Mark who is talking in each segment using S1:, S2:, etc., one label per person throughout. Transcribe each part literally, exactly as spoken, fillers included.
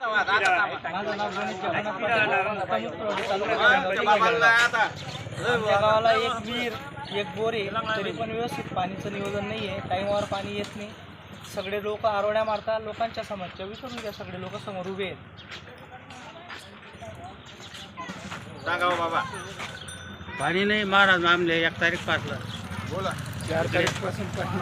S1: माझं नाव गणेश जगन्नाथ पाटील. आमच्या गावाला एक विहीर एक बोर आहे, तरी पण व्यवस्थित पाणीचं नियोजन नाही आहे. टाईमावर पाणी येत नाही. सगळे लोक आरोड्या मारतात. लोकांच्या समस्या विसरून घ्या. सगळे लोक समोर उभे आहेत.
S2: सांगा बाबा.
S3: पाणी नाही महाराज आमले एक तारीख पासला
S2: बोला.
S3: चार तारीख पासून पाणी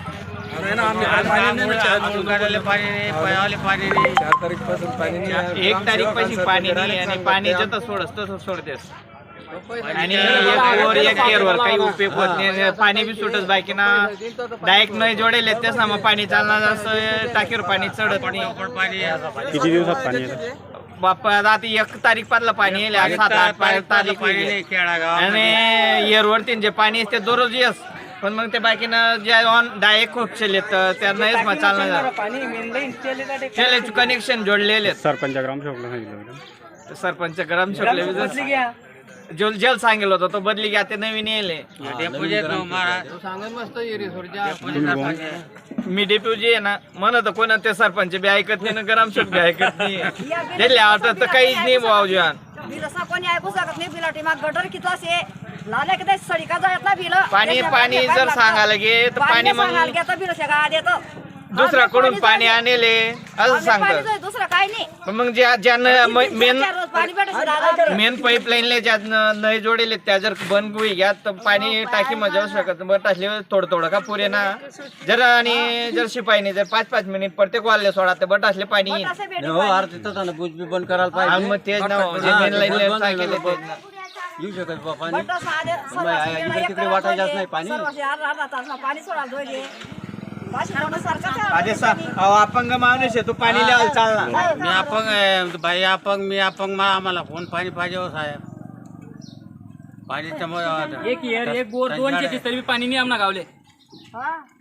S3: नाही, पयाले पाणी नाही. चार तारीख पासून पाणी नाही.
S1: एक तारीख पासून पाणी नाही आणि पाणी जसं सोडस तसं सोडतेस आणि एक वर एक केरवर काही उपयोग होत नाही. पाणी बी सुटत बाकीना डायरेक्ट नाही जोडेल तेच ना. मग पाणी चालणार असं टाकीवर पाणी चढत नाही.
S3: किती दिवसात पाणी येतं?
S1: बाप्पा आता एक तारीख पासला पाणी येईल. सात आठ तारीख आणि एअरवरती जे पाणी असते दररोज येस. पण मग ते बाकीनं जे ऑन डायरेक्ट खूपशे येत त्यांनाच मग चालणार. त्याला कनेक्शन जोडलेले
S3: सरपंच ग्रामसेवकला सांगितलं.
S1: सरपंच ग्रामसेवक जो जल सांगेल होता तो बदली घ्या. ते नवीन येले मी डेप्युटी आहे ना म्हणत कोणा ते सरपंच बी ऐकत नाही ना ग्रामसेवक बी ऐकत नाही. त्याला आवडत तर काहीच नाही भाऊ जीवन.
S4: कोणी ऐकू शकत नाही. बिला टीमा गटर किती से लाल्या किती सडी का जायत ना बिल
S1: पाणी पाणी जर सांगायला गे तर पाणी मग
S4: बिल शेगा देतो
S1: दुसऱ्याकडून पाणी आणले असं सांगतात.
S4: दुसरं काही नाही.
S1: पण मग ज्या ज्यांना मेन
S4: पाणी भेटत
S1: मेन पाईपलाईनले ज्या नाही जोडेले त्या जर बंद होई घ्या तर पाणी टाकी मध्ये जाऊ शकत. बरं टाकले थोडं थोडं का पुरे ना जर आणि जर शिपाईने जर पाच पाच मिनिट प्रत्येक वाले सोडा तर बट असले पाणी
S3: बंद करायला पाहिजे.
S1: मग तेच ना मेन लाईन सांगितले तेच ना.
S3: येऊ शकत बा पाणी इकडे तिकडे वाटायचं नाही पाणी.
S4: पाणी सोडायला
S1: अरे अपंग माणूस आहे तू पाणी लिहायला चालणार.
S3: मी अपंग आहे बाई अपंग मी अपंग मला आम्हाला फोन पाणी पाहिजे हो साहेब. पाणी
S5: एक येर एक बोर दोन शेती तरी पाणी नाही आम्हाला गावले.